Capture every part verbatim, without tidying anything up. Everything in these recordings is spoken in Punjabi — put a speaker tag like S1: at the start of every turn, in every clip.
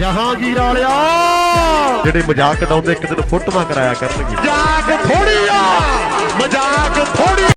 S1: ਜਹਾਂਗੀਰ ਵਾਲਿਆ ਜਿਹੜੇ ਮਜ਼ਾਕ ਉਡਾਉਂਦੇ ਇੱਕ ਦਿਨ ਫੋਟੋਆਂ ਕਰਾਇਆ ਕਰਨਗੇ। ਮਜ਼ਾਕ ਥੋੜੀ ਆ, ਮਜ਼ਾਕ ਥੋੜੀ।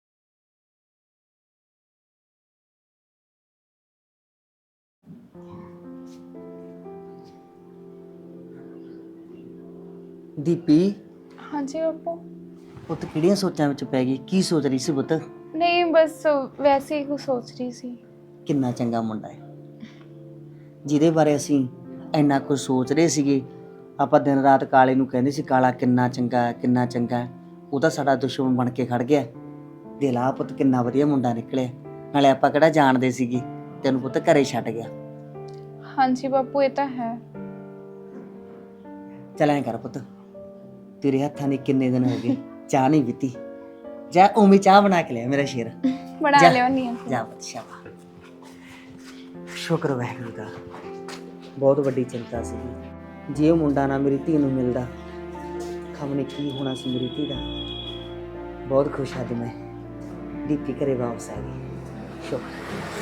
S2: ਦੀਪੀ।
S3: ਹਾਂਜੀ ਬਾਪੂ।
S2: ਪੁੱਤ ਕਿਹੜੀਆਂ ਸੋਚਾਂ ਵਿੱਚ ਪੈ ਗਈ? ਕੀ ਸੋਚ ਰਹੀ ਸੀ ਪੁੱਤ?
S3: ਨਹੀਂ ਬਸ ਵੈਸੇ ਹੀ ਕੁਝ ਸੋਚ ਰਹੀ ਸੀ।
S2: ਕਿੰਨਾ ਚੰਗਾ ਮੁੰਡਾ ਹੈ ਜਿਹਦੇ ਬਾਰੇ ਅਸੀਂ ਇੰਨਾ ਕੁਝ ਸੋਚ ਰਹੇ ਸੀਗੇ। ਆਪਾਂ ਦਿਨ ਰਾਤ ਕਾਲੇ ਨੂੰ ਕਹਿੰਦੇ ਸੀ ਕਾਲਾ ਕਿੰਨਾ ਚੰਗਾ ਹੈ, ਕਿੰਨਾ ਚੰਗਾ ਹੈ। ਉਹ ਤਾਂ ਸਾਡਾ ਦੁਸ਼ਮਣ ਬਣ ਕੇ ਖੜ ਗਿਆ। ਦਿਲ ਆ ਪੁੱਤ ਕਿੰਨਾ ਵਧੀਆ ਮੁੰਡਾ ਨਿਕਲਿਆ। ਨਾਲੇ ਆਪਾਂ ਕਿਹੜਾ ਜਾਣਦੇ ਸੀਗੇ, ਤੈਨੂੰ ਪੁੱਤ ਘਰੇ ਛੱਡ ਗਿਆ।
S3: ਹਾਂਜੀ ਬਾਪੂ ਇਹ ਤਾਂ ਹੈ।
S2: ਚੱਲ ਐਂ ਕਰ ਪੁੱਤ, ਤੇਰੇ ਹੱਥਾਂ ਦੀ ਕਿੰਨੇ ਦਿਨ ਹੋ ਗਏ ਚਾਹ ਨਹੀਂ ਪੀਤੀ। ਜਾ ਉਮੀ ਚਾਹ ਬਣਾ ਕੇ ਲਿਆ ਮੇਰਾ ਸ਼ੇਰ।
S3: ਬਣਾ ਲਿਓ ਨਹੀਂ
S2: ਜਾ ਪੁੱਤ ਸ਼ਾਬਾਸ਼। ਸ਼ੁਕਰ ਵਾਹਿਗੁਰੂ ਦਾ। ਬਹੁਤ ਵੱਡੀ ਚਿੰਤਾ ਸੀਗੀ, ਜੇ ਉਹ ਮੁੰਡਾ ਨਾ ਮੇਰੀ ਧੀ ਨੂੰ ਮਿਲਦਾ ਖਬਰ ਨਹੀਂ ਕੀ ਹੋਣਾ ਸੀ ਮੇਰੀ ਧੀ ਦਾ। ਬਹੁਤ ਖੁਸ਼ ਹਾਂ ਮੈਂ ਦੀਪੀ ਘਰੇ ਵਾਪਸ ਆ ਗਈ। ਸ਼ੁਕਰ।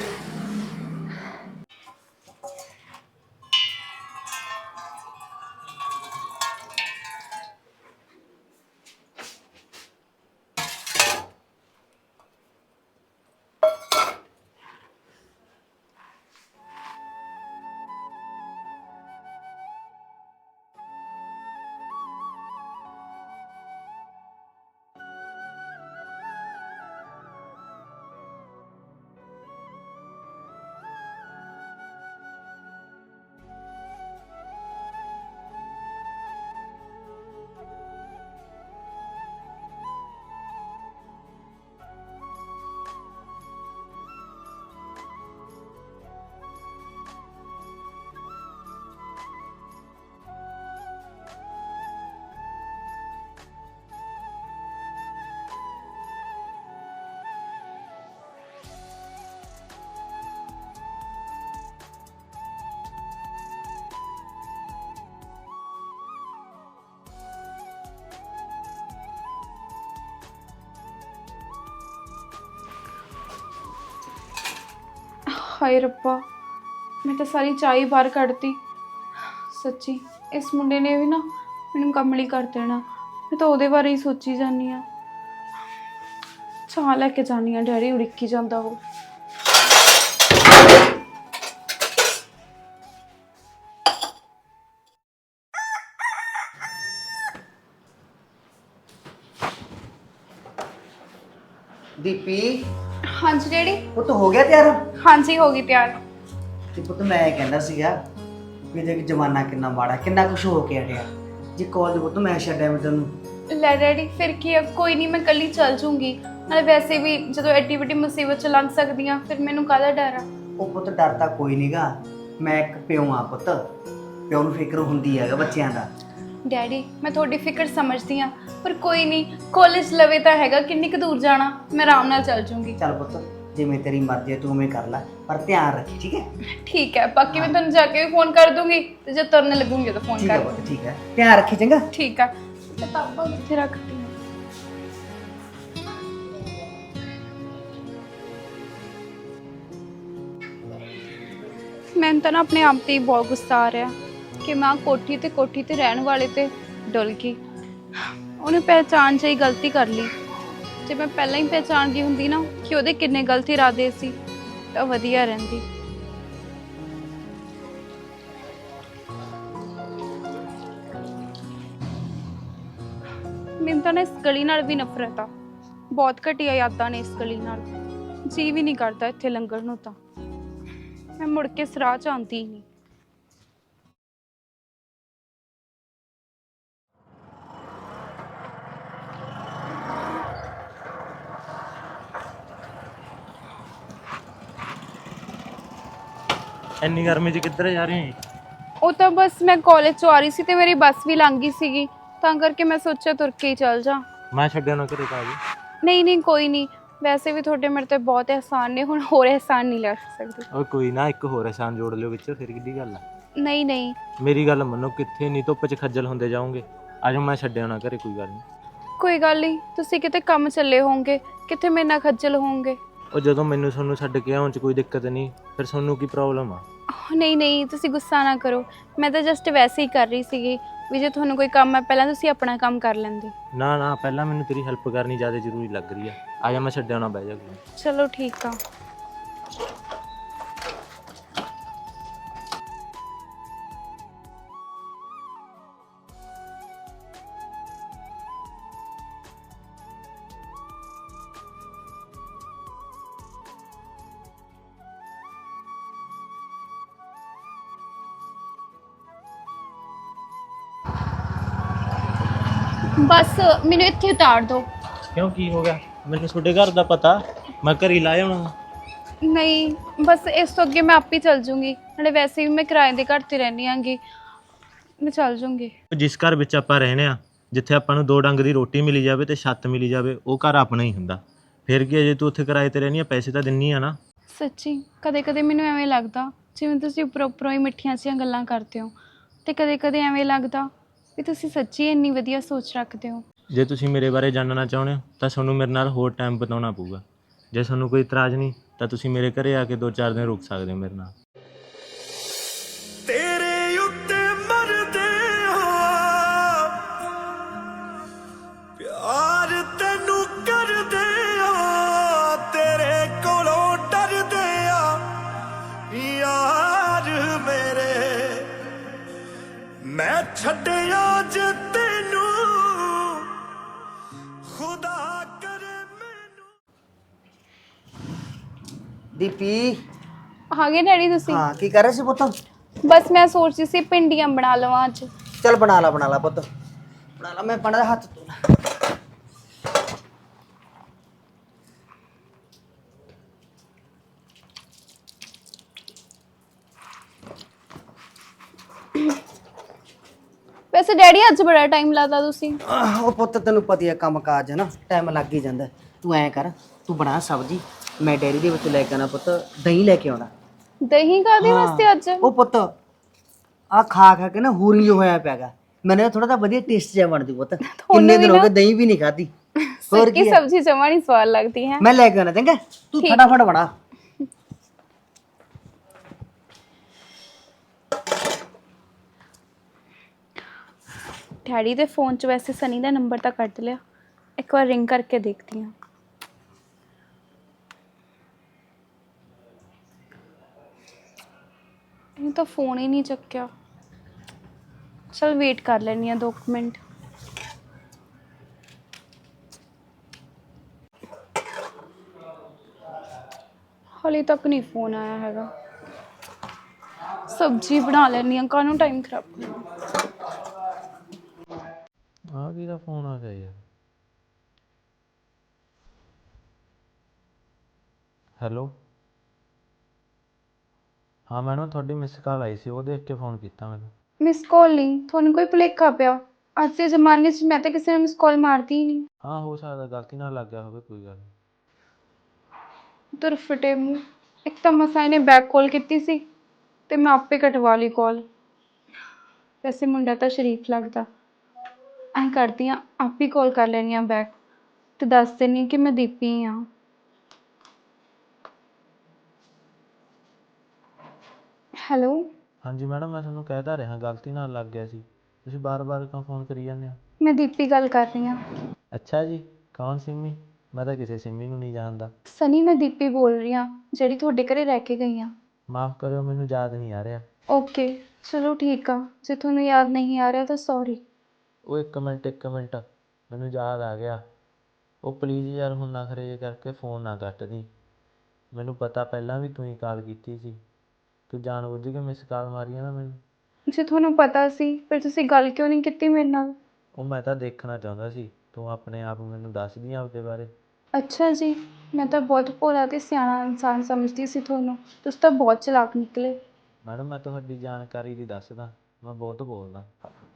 S3: ਹਾਏ ਰੱਬਾ, ਮੈਂ ਤਾਂ ਸਾਰੀ ਚਾਹ ਹੀ ਬਾਹਰ ਕੱਢਤੀ। ਸੱਚੀ ਇਸ ਮੁੰਡੇ ਨੇ ਵੀ ਨਾ ਮੈਨੂੰ ਕਮਲੀ ਕਰ ਦੇਣਾ। ਮੈਂ ਤਾਂ ਉਹਦੇ ਬਾਰੇ ਹੀ ਸੋਚੀ ਜਾਂਦੀ ਹਾਂ। ਚਾਹ ਲੈ ਕੇ ਜਾਂਦੀ ਹਾਂ, ਡੈਡੀ ਉੜੀਕੀ ਜਾਂਦਾ ਉਹ।
S2: ਦੀਪੀ।
S3: ਹਾਂਜੀ ਡੈਡੀ।
S2: ਪੁੱਤ ਹੋ ਗਿਆ ਤਿਆਰ?
S3: ਹਾਂਜੀ ਹੋ ਗਈ ਤਿਆਰ।
S2: ਤੇ ਪੁੱਤ ਮੈਂ ਇਹ ਕਹਿੰਦਾ ਸੀਗਾ ਵੀ ਦੇਖ ਜਮਾਨਾ ਕਿੰਨਾ ਮਾੜਾ, ਕਿੰਨਾ ਕੁਛ ਹੋ ਕੇ ਹਟਿਆ। ਜੇ ਕਾਲਜ ਪੁੱਤ ਮੈਂ ਛੱਡਿਆ ਮੈਂ ਤੈਨੂੰ।
S3: ਲੈ ਡੈਡੀ ਫਿਰ ਕੀ ਆ, ਕੋਈ ਨਹੀਂ ਮੈਂ ਕੱਲੀ ਚੱਲ ਜੂੰਗੀ। ਨਾਲੇ ਵੈਸੇ ਵੀ ਜਦੋਂ ਐਡੀ ਵੱਡੀ ਮੁਸੀਬਤ ਚ ਲੰਘ ਸਕਦੀ ਆ, ਫਿਰ ਮੈਨੂੰ ਕਾਹਦਾ ਡਰ ਆ।
S2: ਉਹ ਪੁੱਤ ਡਰ ਤਾਂ ਕੋਈ ਨਹੀਂਗਾ। ਮੈਂ ਇੱਕ ਪਿਓ ਆ ਪੁੱਤ, ਪਿਓ ਨੂੰ ਫਿਕਰ ਹੁੰਦੀ ਹੈਗਾ ਬੱਚਿਆਂ ਦਾ।
S3: ਡੈਡੀ ਮੈਂ ਤੁਹਾਡੀ ਫਿਕਰ ਸਮਝਦੀ ਆ, ਪਰ ਕੋਈ ਨਹੀਂ, ਕਾਲਜ ਲਵੇ ਤਾਂ ਹੈਗਾ, ਕਿੰਨੀ ਕੁ ਦੂਰ ਜਾਣਾ, ਮੈਂ ਆਰਾਮ ਨਾਲ ਚੱਲ ਜੂੰਗੀ।
S2: ਚੱਲ ਪੁੱਤ ਜਿਵੇਂ ਤੇਰੀ ਮਰਜ਼ੀ ਹੈ ਤੂੰ ਉਵੇਂ ਕਰ ਲੈ, ਪਰ ਧਿਆਨ ਰੱਖੀ ਠੀਕ ਹੈ?
S3: ਠੀਕ ਹੈ, ਬਾਕੀ ਮੈਂ ਤੁਹਾਨੂੰ ਜਾ ਕੇ ਵੀ ਫੋਨ ਕਰ ਦੂੰਗੀ ਤੇ ਜੇ ਤੁਰਨ ਲੱਗੂੰਗੀ ਤਾਂ ਫੋਨ
S2: ਠੀਕ
S3: ਕਰ
S2: ਹੈ
S3: ਦੂੰਗੀ।
S2: ਪੁੱਤ ਠੀਕ ਹੈ, ਧਿਆਨ ਰੱਖੀ ਚੰਗਾ।
S3: ਠੀਕ ਆ। ਕਿਤਾਬਾਂ ਕਿੱਥੇ ਰੱਖਤੀ? ਮੈਨੂੰ ਤਾਂ ਨਾ ਆਪਣੇ ਆਪ ਤੇ ਹੀ ਬਹੁਤ ਗੁੱਸਾ ਆ ਰਿਹਾ ਕਿ ਮੈਂ ਕੋਠੀ ਤੇ ਕੋਠੀ ਤੇ ਰਹਿਣ ਵਾਲੇ ਤੇ ਡੁੱਲ ਗਈ। ਉਹਨੇ ਪਹਿਚਾਣ 'ਚ ਹੀ ਗਲਤੀ ਕਰ ਲਈ। ਜੇ ਮੈਂ ਪਹਿਲਾਂ ਹੀ ਪਹਿਚਾਣ ਗਈ ਹੁੰਦੀ ਨਾ ਕਿ ਉਹਦੇ ਕਿੰਨੇ ਗਲਤ ਇਰਾਦੇ ਸੀ ਤਾਂ ਵਧੀਆ ਰਹਿੰਦੀ। ਮੈਨੂੰ ਤਾਂ ਨਾ ਇਸ ਗਲੀ ਨਾਲ ਵੀ ਨਫ਼ਰਤ ਆ। ਬਹੁਤ ਘਟੀਆ ਯਾਦਾਂ ਨੇ ਇਸ ਗਲੀ ਨਾਲ। ਜੀ ਵੀ ਨਹੀਂ ਕਰਦਾ ਇੱਥੇ ਲੰਘਣ ਨੂੰ, ਤਾਂ ਮੈਂ ਮੁੜ ਕੇ ਇਸ ਰਾਹ 'ਚ ਆਉਂਦੀ ਹੀ ਨਹੀਂ।
S4: ਇੰਨੀ ਗਰਮੀ 'ਚ ਕਿੱਧਰ ਜਾ ਰਹੀ ਹੈ?
S3: ਉਹ ਤਾਂ ਬਸ ਮੈਂ ਕਾਲਜ 'ਚੋਂ ਆ ਰਹੀ ਸੀ ਤੇ ਮੇਰੀ ਬੱਸ ਵੀ ਲੰਘ ਗਈ ਸੀਗੀ, ਤਾਂ ਕਰਕੇ ਮੈਂ ਸੋਚਿਆ ਤੁਰ ਕੇ ਹੀ ਚੱਲ ਜਾ।
S4: ਮੈਂ ਛੱਡਿਆ ਨਾ ਘਰੇ ਤਾਂ ਜੀ।
S3: ਨਹੀਂ ਨਹੀਂ ਕੋਈ ਨਹੀਂ, ਵੈਸੇ ਵੀ ਤੁਹਾਡੇ ਮੇਰੇ ਤੇ ਬਹੁਤ ਅਹਿਸਾਨ ਨੇ, ਹੁਣ ਹੋਰ ਅਹਿਸਾਨ ਨਹੀਂ ਲੈ ਸਕਦੀ।
S4: ਉਹ ਕੋਈ ਨਾ, ਇੱਕ ਹੋਰ ਅਹਿਸਾਨ ਜੋੜ ਲਿਓ ਵਿੱਚ, ਫਿਰ ਕਿੱਡੀ ਗੱਲ ਆ।
S3: ਨਹੀਂ ਨਹੀਂ
S4: ਮੇਰੀ ਗੱਲ ਮੰਨੋ, ਕਿੱਥੇ ਨਹੀਂ ਧੁੱਪ 'ਚ ਖੱਜਲ ਹੁੰਦੇ ਜਾਓਗੇ। ਅੱਜ ਮੈਂ ਛੱਡਿਆ ਨਾ ਘਰੇ, ਕੋਈ ਗੱਲ ਨਹੀਂ।
S3: ਕੋਈ ਗੱਲ ਨਹੀਂ, ਤੁਸੀਂ ਕਿਤੇ ਕੰਮ ਚੱਲੇ ਹੋਵੋਗੇ, ਕਿੱਥੇ ਮੇਰੇ ਨਾਲ ਖੱਜਲ ਹੋਵੋਗੇ।
S4: ਉਹ ਜਦੋਂ ਮੈਨੂੰ ਤੁਹਾਨੂੰ ਛੱਡ ਕੇ ਆਉਣ 'ਚ ਕੋਈ ਦਿੱਕਤ ਨਹੀਂ, ਫਿਰ ਤੁਹਾਨੂੰ ਕੀ ਪ੍ਰੋਬਲਮ ਆ?
S3: ਨਹੀਂ ਨਹੀਂ, ਤੁਸੀਂ ਗੁੱਸਾ ਨਾ ਕਰੋ। ਮੈਂ ਤਾਂ ਜਸਟ ਵੈਸੇ ਹੀ ਕਰ ਰਹੀ ਸੀਗੀ ਵੀ ਜੇ ਤੁਹਾਨੂੰ ਕੋਈ ਕੰਮ ਹੈ ਪਹਿਲਾਂ ਤੁਸੀਂ ਆਪਣਾ ਕੰਮ ਕਰ ਲੈਂਦੇ।
S4: ਨਾ ਨਾ, ਪਹਿਲਾਂ ਮੈਨੂੰ ਤੇਰੀ ਹੈਲਪ ਕਰਨੀ ਜ਼ਿਆਦਾ ਜ਼ਰੂਰੀ ਲੱਗ ਰਹੀ ਆ। ਆ ਜਾ, ਮੈਂ ਛੱਡਿਆ ਨਾ, ਬਹਿ ਜਾ ਕੋਲ।
S3: ਚਲੋ ਠੀਕ ਆ। ਬਸ ਮੈਨੂੰ ਇੱਥੇ ਉਤਾਰ ਦਿਓ।
S4: ਕਿਉਂ, ਕੀ ਹੋ ਗਿਆ? ਮੈਨੂੰ ਤੁਹਾਡੇ ਘਰ ਦਾ ਪਤਾ, ਮੈਂ ਘਰ ਹੀ ਲਾਇਆ ਹੋਣਾ।
S3: ਨਹੀਂ ਬਸ ਇਸ ਤੋਂ ਅੱਗੇ ਮੈਂ ਆਪ ਹੀ ਚੱਲ ਜੂੰਗੀ, ਨਾਲੇ ਵੈਸੇ ਵੀ ਮੈਂ ਕਿਰਾਏ ਦੇ ਘਰ ਤੇ ਰਹਿੰਦੀ ਆਂਗੀ, ਮੈਂ ਚੱਲ ਜੂੰਗੀ।
S4: ਜਿਸ ਘਰ ਵਿੱਚ ਆਪਾਂ ਰਹਿੰਦੇ ਆ, ਜਿੱਥੇ ਆਪਾਂ ਨੂੰ ਦੋ ਡੰਗ ਦੀ ਰੋਟੀ ਮਿਲੀ ਜਾਵੇ ਤੇ ਛੱਤ ਮਿਲੀ ਜਾਵੇ, ਉਹ ਘਰ ਆਪਣਾ ਹੀ ਹੁੰਦਾ। ਫਿਰ ਕੀ, ਜੇ ਤੂੰ ਉੱਥੇ ਕਿਰਾਏ ਤੇ ਰਹਿੰਦੀ ਆ, ਪੈਸੇ ਤਾਂ ਦਿੰਨੀ ਆ ਨਾ।
S3: ਸੱਚੀ ਕਦੇ ਕਦੇ ਮੈਨੂੰ ਐਵੇਂ ਲੱਗਦਾ ਜਿਵੇਂ ਤੁਸੀਂ ਉੱਪਰੋਂ ਉੱਪਰੋਂ ਹੀ ਮਿੱਠੀਆਂ ਜਿਹੀਆਂ ਗੱਲਾਂ ਕਰਦੇ ਹੋ, ਤੇ ਕਦੇ ਕਦੇ ਐਵੇਂ ਲੱਗਦਾ ਵੀ ਤੁਸੀਂ ਸੱਚੀ ਇੰਨੀ ਵਧੀਆ ਸੋਚ ਰੱਖਦੇ ਹੋ।
S4: ਜੇ ਤੁਸੀਂ ਮੇਰੇ ਬਾਰੇ ਜਾਣਨਾ ਚਾਹੁੰਦੇ ਹੋ ਤਾਂ ਤੁਹਾਨੂੰ ਮੇਰੇ ਨਾਲ ਹੋਰ ਟਾਈਮ ਬਿਤਾਉਣਾ ਪਊਗਾ। ਜੇ ਤੁਹਾਨੂੰ ਕੋਈ ਇਤਰਾਜ਼ ਨਹੀਂ ਤਾਂ ਤੁਸੀਂ ਮੇਰੇ ਘਰੇ ਆ ਕੇ ਦੋ ਚਾਰ ਦਿਨ ਰੁਕ ਸਕਦੇ ਹੋ ਮੇਰੇ ਨਾਲ।
S1: ਤੇਰੇ ਉੱਤੇ ਮਰਦੇ ਆ ਪਿਆਰ ਤੈਨੂੰ ਕਰਦੇ ਆ, ਤੇਰੇ ਕੋਲੋਂ ਡਰਦੇ ਆ ਯਾਰ ਮੇਰੇ। ਮੈਂ ਛੱਡਿਆ ਜੇ ਤੈਨੂੰ ਖੁਦਾ ਕਰੇ ਮੈਨੂੰ।
S2: ਦੀਪੀ,
S3: ਆ ਗਏ ਡੈਡੀ ਤੁਸੀਂ?
S2: ਹਾਂ ਕੀ ਕਰ ਰਹੇ ਸੀ ਪੁੱਤ?
S3: ਬਸ ਮੈਂ ਸੋਚ ਰਹੀ ਸੀ ਭਿੰਡੀਆਂ ਬਣਾ ਲਵਾਂ ਅੱਜ।
S2: ਚੱਲ ਬਣਾ ਲਾ ਬਣਾ ਲਾ ਪੁੱਤ, ਬਣਾ ਲਾ। ਮੈਂ ਪੜਾ ਹੱਥ ਧੋ।
S3: ਵੈਸੇ ਡੈਡੀ ਅੱਜ ਬੜਾ ਟਾਈਮ ਲਾਤਾ ਤੁਸੀਂ।
S2: ਉਹ ਪੁੱਤ ਤੈਨੂੰ ਪਤਾ ਹੈ ਕੰਮ ਕਾਜ ਹੈ ਨਾ, ਟਾਈਮ ਲੱਗ ਹੀ ਜਾਂਦਾ। ਤੂੰ ਐਂ ਕਰ, ਤੂੰ ਬਣਾ ਸਬਜ਼ੀ, ਮੈਂ ਡੈਰੀ ਦੇ ਵਿੱਚ ਲੈ ਕੇ ਆਉਣਾ ਪੁੱਤ, ਦਹੀਂ ਲੈ ਕੇ ਆਉਣਾ।
S3: ਦਹੀਂ ਕਾਹਦੇ ਵਾਸਤੇ ਅੱਜ?
S2: ਉਹ ਪੁੱਤ ਆ ਖਾ ਖਾ ਕੇ ਨਾ ਹੂਰੀ ਜੋ ਹੋਇਆ ਪਿਆਗਾ, ਮੈਨੂੰ ਥੋੜਾ ਜਿਹਾ ਵਧੀਆ ਟੇਸਟ ਜਿਹਾ ਬਣਦੀ ਪੁੱਤ। ਕਿੰਨੇ ਦਿਨ ਹੋ ਗਏ ਦਹੀਂ ਵੀ ਨਹੀਂ ਖਾਧੀ। ਹੋਰ
S3: ਕੀ ਸਬਜ਼ੀ ਜਮਾ ਨਹੀਂ ਸਵਾਦ ਲੱਗਦੀ ਹੈ।
S2: ਮੈਂ ਲੈ ਕੇ ਆਉਣਾ, ਚੰਗਾ ਤੂੰ ਫਟਾਫਟ ਬਣਾ।
S3: ਡੈਡੀ ਦੇ ਫੋਨ 'ਚ ਵੈਸੇ ਸਨੀ ਦਾ ਨੰਬਰ ਤਾਂ ਕੱਢ ਲਿਆ, ਇੱਕ ਵਾਰ ਰਿੰਗ ਕਰਕੇ ਦੇਖਦੀ ਹਾਂ। ਇਹ ਤਾਂ ਫੋਨ ਹੀ ਨਹੀਂ ਚੱਕਿਆ। ਚਲ ਵੇਟ ਕਰ ਲੈਂਦੀ ਹਾਂ ਦੋ ਕੁ ਮਿੰਟ। ਹਾਲੇ ਤੱਕ ਨਹੀਂ ਫੋਨ ਆਇਆ ਹੈਗਾ। ਸਬਜ਼ੀ ਬਣਾ ਲੈਂਦੀ ਹਾਂ, ਕਾਹਨੂੰ ਟਾਈਮ ਖਰਾਬ ਕਰਨਾ।
S4: ਆ ਕਿਹਦਾ ਫੋਨ ਆ ਗਿਆ ਯਾਰ? ਹੈਲੋ, ਹਾਂ ਮੈਡਮ, ਤੁਹਾਡੀ ਮਿਸ ਕਾਲ ਆਈ ਸੀ, ਉਹ ਦੇਖ ਕੇ ਫੋਨ ਕੀਤਾ ਮੈਨੂੰ।
S3: ਮਿਸ ਕਾਲ ਨਹੀਂ, ਤੁਹਾਨੂੰ ਕੋਈ ਭੁਲੇਖਾ ਪਿਆ। ਅੱਜ ਦੇ ਜ਼ਮਾਨੇ 'ਚ ਮੈਂ ਤਾਂ ਕਿਸੇ ਨੂੰ ਮਿਸ ਕਾਲ ਮਾਰਦੀ ਹੀ ਨਹੀਂ।
S4: ਹਾਂ ਹੋ ਸਕਦਾ ਗਲਤੀ ਨਾਲ ਲੱਗ ਗਿਆ ਹੋਵੇ, ਕੋਈ ਗੱਲ ਨਹੀਂ।
S3: ਤੁਰ ਫਟੇ ਮੂੰਹ, ਇੱਕ ਤਾਂ ਮਸਾਂ ਇਹਨੇ ਬੈਕ ਕਾਲ ਕੀਤੀ ਸੀ ਤੇ ਮੈਂ ਆਪੇ ਕਟਵਾ ਲਈ ਕਾਲ। ਵੈਸੇ ਮੁੰਡਾ ਤਾਂ ਸ਼ਰੀਫ ਲੱਗਦਾ। ਐਂ ਕਰਦੀ ਹਾਂ, ਆਪ ਹੀ ਕਾਲ ਕਰ ਲੈਣੀ ਆ ਬੈਕ ਤੇ ਦੱਸ ਦਿੰਦੀ ਕਿ ਮੈਂ ਦੀਪੀ ਹਾਂ। ਹੈਲੋ,
S4: ਹਾਂਜੀ ਮੈਡਮ, ਮੈਂ ਤੁਹਾਨੂੰ ਕਹਿ ਤਾਂ ਰਿਹਾ ਗਲਤੀ ਨਾਲ ਲੱਗ ਗਿਆ ਸੀ, ਤੁਸੀਂ ਬਾਰ-ਬਾਰ ਕਿਉਂ ਫੋਨ ਕਰੀ ਜਾਂਦੇ ਹੋ?
S3: ਮੈਂ ਦੀਪੀ ਗੱਲ ਕਰ ਰਹੀ ਹਾਂ।
S4: ਅੱਛਾ ਜੀ, ਕੌਣ ਸਿੰਮੀ? ਮੈਂ ਤਾਂ ਕਿਸੇ ਸਿੰਮੀ ਨੂੰ ਨਹੀਂ ਜਾਣਦਾ।
S3: ਸਨੀ, ਮੈਂ ਦੀਪੀ ਬੋਲ ਰਹੀ ਹਾਂ, ਜਿਹੜੀ ਤੁਹਾਡੇ ਘਰੇ ਰਹਿ ਕੇ ਗਈ ਹਾਂ।
S4: ਮਾਫ਼ ਕਰਿਓ, ਮੈਨੂੰ ਯਾਦ ਨਹੀਂ ਆ ਰਿਹਾ।
S3: ਓਕੇ ਚਲੋ ਠੀਕ ਆ, ਜੇ ਤੁਹਾਨੂੰ ਯਾਦ ਨਹੀਂ ਆ ਰਿਹਾ ਤਾਂ ਸੌਰੀ।
S4: ਉਹ ਇੱਕ ਮਿੰਟ ਇੱਕ ਮਿੰਟ ਮੈਨੂੰ ਯਾਦ ਆ ਗਿਆ। ਉਹ ਪਲੀਜ਼ ਯਾਰ ਹੁਣ ਨਖਰੇ ਜਿਹੇ ਕਰਕੇ ਫ਼ੋਨ ਨਾ ਕੱਟ ਦੀ। ਮੈਨੂੰ ਪਤਾ ਪਹਿਲਾਂ ਵੀ ਤੂੰ ਹੀ ਕਾਲ ਕੀਤੀ ਸੀ, ਤੂੰ ਜਾਣ ਬੁੱਝ ਕੇ ਮਿਸ ਕਾਲ ਮਾਰੀ ਆ ਨਾ ਮੈਨੂੰ।
S3: ਜੇ ਤੁਹਾਨੂੰ ਪਤਾ ਸੀ ਫਿਰ ਤੁਸੀਂ ਗੱਲ ਕਿਉਂ ਨਹੀਂ ਕੀਤੀ ਮੇਰੇ ਨਾਲ?
S4: ਉਹ ਮੈਂ ਤਾਂ ਦੇਖਣਾ ਚਾਹੁੰਦਾ ਸੀ ਤੂੰ ਆਪਣੇ ਆਪ ਮੈਨੂੰ ਦੱਸਦੀ ਆਪਦੇ ਬਾਰੇ।
S3: ਅੱਛਾ ਜੀ, ਮੈਂ ਤਾਂ ਬਹੁਤ ਭੋਲਾ ਅਤੇ ਸਿਆਣਾ ਇਨਸਾਨ ਸਮਝਦੀ ਸੀ ਤੁਹਾਨੂੰ, ਤੁਸੀਂ ਤਾਂ ਬਹੁਤ ਚਲਾਕ ਨਿਕਲੇ।
S4: ਮੈਡਮ ਮੈਂ ਤੁਹਾਡੀ ਜਾਣਕਾਰੀ ਲਈ ਦੱਸਦਾ, ਮੈਂ ਬਹੁਤ ਬੋਲਦਾ।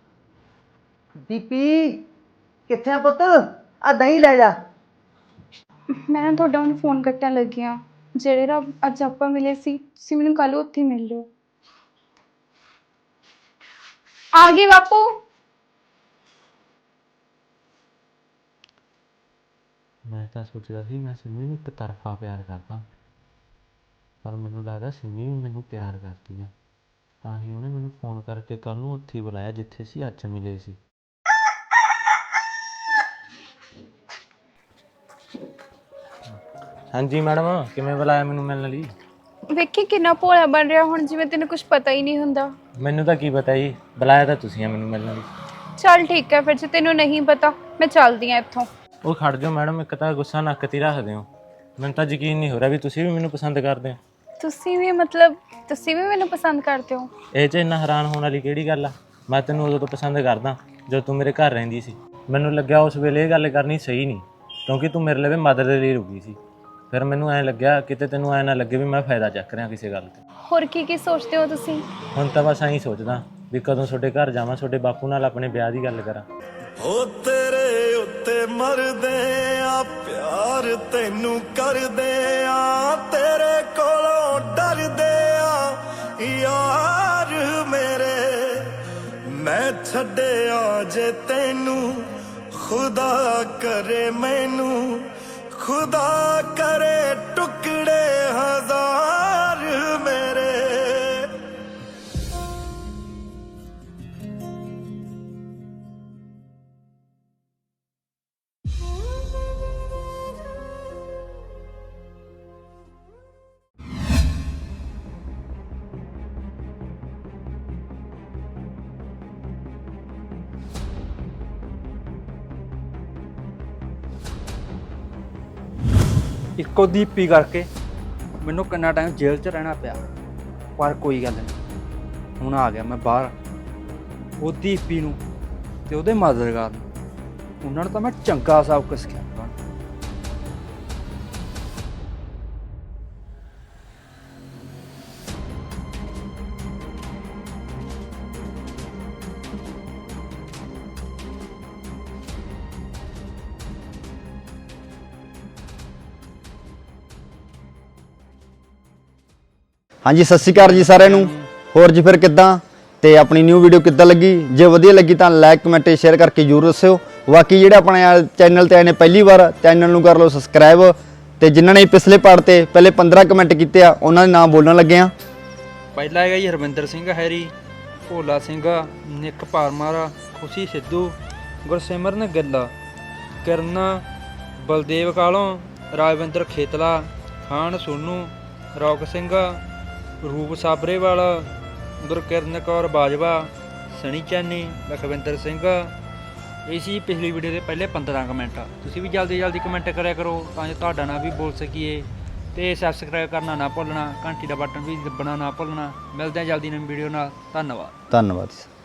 S2: ਦੀਪੀ ਕਿੱਥੇ ਆ ਪੁੱਤ? ਆ ਦਹੀਂ ਲੈ ਜਾ।
S3: ਮੈਂ ਨਾ ਤੁਹਾਡਾ ਹੁਣ ਫੋਨ ਕੱਟਣ ਲੱਗੀ ਹਾਂ। ਜਿਹੜੇ ਨਾ ਅੱਜ ਆਪਾਂ ਮਿਲੇ ਸੀ, ਤੁਸੀਂ ਮੈਨੂੰ ਕੱਲ੍ਹ ਉੱਥੇ ਮਿਲ ਲਿਓ। ਆ ਗਈ ਬਾਪੂ।
S4: ਮੈਂ ਤਾਂ ਸੋਚਦਾ ਸੀ ਮੈਂ ਸਿੰਮੀ ਨੂੰ ਇੱਕ ਤਰਫਾ ਪਿਆਰ ਕਰਦਾ, ਪਰ ਮੈਨੂੰ ਲੱਗਦਾ ਸਿੰਮੀ ਵੀ ਮੈਨੂੰ ਪਿਆਰ ਕਰਦੀ ਆ, ਤਾਂ ਹੀ ਉਹਨੇ ਮੈਨੂੰ ਫੋਨ ਕਰਕੇ ਕੱਲ੍ਹ ਨੂੰ ਉੱਥੇ ਹੀ ਬੁਲਾਇਆ ਜਿੱਥੇ ਅਸੀਂ ਅੱਜ ਮਿਲੇ ਸੀ। ਹਾਂਜੀ ਮੈਡਮ, ਕਿਵੇਂ ਬੁਲਾਇਆ ਮੈਨੂੰ ਮਿਲਣ ਲਈ?
S3: ਵੇਖੀ ਕਿੰਨਾ ਭੋਲਾ ਬਣ ਰਿਹਾ ਹੁਣ, ਜਿਵੇਂ ਤੈਨੂੰ ਕੁਝ ਪਤਾ ਹੀ ਨਹੀਂ ਹੁੰਦਾ।
S4: ਮੈਨੂੰ ਤਾਂ ਕੀ ਪਤਾ ਜੀ, ਬੁਲਾਇਆ ਤਾਂ ਤੁਸੀਂ ਆ ਮੈਨੂੰ ਮਿਲਣ ਲਈ।
S3: ਚੱਲ ਠੀਕ ਹੈ ਫਿਰ, ਜੇ ਤੈਨੂੰ ਨਹੀਂ ਪਤਾ ਮੈਂ ਚੱਲਦੀ ਹਾਂ ਇੱਥੋਂ।
S4: ਉਹ ਖੜ ਜਾਓ ਮੈਡਮ, ਇੱਕ ਤਾਂ ਗੁੱਸਾ ਨੱਕ 'ਤੇ ਰੱਖਦੇ ਹੋ, ਮੈਨੂੰ ਤਾਂ ਯਕੀਨ ਨਹੀਂ ਹੋ ਰਿਹਾ ਵੀ ਤੁਸੀਂ ਵੀ ਮੈਨੂੰ ਪਸੰਦ ਕਰਦੇ ਹੋ।
S3: ਤੁਸੀਂ ਵੀ ਮਤਲਬ ਤੁਸੀਂ ਵੀ ਮੈਨੂੰ ਪਸੰਦ ਕਰਦੇ ਹੋ?
S4: ਇਹ 'ਚ ਇੰਨਾ ਹੈਰਾਨ ਹੋਣ ਵਾਲੀ ਕਿਹੜੀ ਗੱਲ ਆ? ਮੈਂ ਤੈਨੂੰ ਉਦੋਂ ਤੋਂ ਪਸੰਦ ਕਰਦਾ ਜਦੋਂ ਤੂੰ ਮੇਰੇ ਘਰ ਰਹਿੰਦੀ ਸੀ। ਮੈਨੂੰ ਲੱਗਿਆ ਉਸ ਵੇਲੇ ਇਹ ਗੱਲ ਕਰਨੀ ਸਹੀ ਨਹੀਂ, ਕਿਉਂਕਿ ਤੂੰ ਮੇਰੇ ਲਈ ਮਦਦ ਦੇ ਲਈ ਰੁਕੀ ਸੀ। ਫਿਰ ਮੈਨੂੰ ਐਂ ਲੱਗਿਆ ਕਿਤੇ ਤੈਨੂੰ ਐਂ ਨਾ ਲੱਗੇ ਵੀ ਮੈਂ ਫਾਇਦਾ ਚੱਕ ਰਿਹਾ ਕਿਸੇ ਗੱਲ 'ਤੇ।
S3: ਹੋਰ ਕੀ ਕੀ ਸੋਚਦੇ ਹੋ ਤੁਸੀਂ?
S4: ਹੁਣ ਤਾਂ ਬਸ ਐਂ ਸੋਚਦਾ ਵੀ ਕਦੋਂ ਤੁਹਾਡੇ ਘਰ ਜਾਵਾਂ, ਤੁਹਾਡੇ ਬਾਪੂ ਨਾਲ ਆਪਣੇ ਵਿਆਹ ਦੀ ਗੱਲ ਕਰਾਂ।
S5: ਹੋ ਤੇਰੇ ਉੱਤੇ ਮਰਦੇ ਆ, ਪਿਆਰ ਤੈਨੂੰ ਕਰਦੇ ਆ, ਤੇਰੇ ਕੋਲੋਂ ਡਰਦੇ ਆ ਯਾਰ ਮੇਰੇ। ਮੈਂ ਛੱਡਿਆ ਜੇ ਤੈਨੂੰ, ਖੁਦਾ ਕਰੇ ਮੈਨੂੰ, ਖੁਦਾ ਕਰੇ ਟੁਕੜੇ ਹਜ਼ਾਰ ਮੇਰੇ।
S6: ਇੱਕੋ ਦੀਪੀ ਕਰਕੇ ਮੈਨੂੰ ਕਿੰਨਾ ਟਾਈਮ ਜੇਲ੍ਹ 'ਚ ਰਹਿਣਾ ਪਿਆ, ਪਰ ਕੋਈ ਗੱਲ ਨਹੀਂ, ਹੁਣ ਆ ਗਿਆ ਮੈਂ ਬਾਹਰ। ਉਹ ਦੀਪੀ ਨੂੰ ਤੇ ਉਹਦੇ ਮਦਦਗਾਰ ਨੂੰ, ਉਹਨਾਂ ਨੂੰ ਤਾਂ ਮੈਂ ਚੰਗਾ ਸਬਕ ਸਿਖਾਇਆ।
S7: ਹਾਂਜੀ, ਸਤਿ ਸ਼੍ਰੀ ਅਕਾਲ ਜੀ ਸਾਰਿਆਂ ਨੂੰ। ਹੋਰ ਜੀ ਫਿਰ ਕਿੱਦਾਂ, ਤੇ ਆਪਣੀ ਨਿਊ ਵੀਡੀਓ ਕਿੱਦਾਂ ਲੱਗੀ? ਜੇ ਵਧੀਆ ਲੱਗੀ ਤਾਂ ਲਾਈਕ ਕਮੈਂਟ ਸ਼ੇਅਰ ਕਰਕੇ ਜ਼ਰੂਰ ਦੱਸਿਓ। ਬਾਕੀ ਜਿਹੜੇ ਆਪਣੇ ਚੈਨਲ ਤੇ ਆਏ ਨੇ ਪਹਿਲੀ ਵਾਰ, ਚੈਨਲ ਨੂੰ ਕਰ ਲਓ ਸਬਸਕ੍ਰਾਈਬ, ਤੇ ਜਿਨ੍ਹਾਂ ਨੇ ਪਿਛਲੇ ਪਾਰਟ ਤੇ ਪਹਿਲੇ ਪੰਦਰਾਂ ਕਮੈਂਟ ਕੀਤੇ ਆ ਉਹਨਾਂ ਦੇ ਨਾਮ ਬੋਲਣ ਲੱਗੇ ਆ।
S6: ਪਹਿਲਾ ਹੈਗਾ ਜੀ Harvinder Singh Harry, Bhola Singh, Nick Parmar, Khushi Sidhu, Gursimran Gill, Kiran, Baldev Kalon, Rajwinder Khetla, Khan Sonu, Rock Singh, Roop Sabrewal, ਗੁਰਕਿਰਨ Kaur Bajwa, ਸਣੀ ਚੈਨੀ, Lakhwinder Singh. ਇਹ ਸੀ ਪਿਛਲੀ ਵੀਡੀਓ ਦੇ ਪਹਿਲੇ ਪੰਦਰਾਂ ਕਮੈਂਟ। ਤੁਸੀਂ ਵੀ ਜਲਦੀ ਜਲਦੀ ਕਮੈਂਟ ਕਰਿਆ ਕਰੋ ਤਾਂ ਜੋ ਤੁਹਾਡਾ ਨਾਂ ਵੀ ਬੋਲ ਸਕੀਏ, ਤੇ ਸਬਸਕ੍ਰਾਈਬ ਕਰਨਾ ਨਾ ਭੁੱਲਣਾ, ਘੰਟੀ ਦਾ ਬਟਨ ਵੀ ਦੱਬਣਾ ਨਾ ਭੁੱਲਣਾ। ਮਿਲਦੇ ਹਾਂ ਜਲਦੀ ਨਵੀਂ ਵੀਡੀਓ ਨਾਲ। ਧੰਨਵਾਦ।
S7: ਧੰਨਵਾਦ।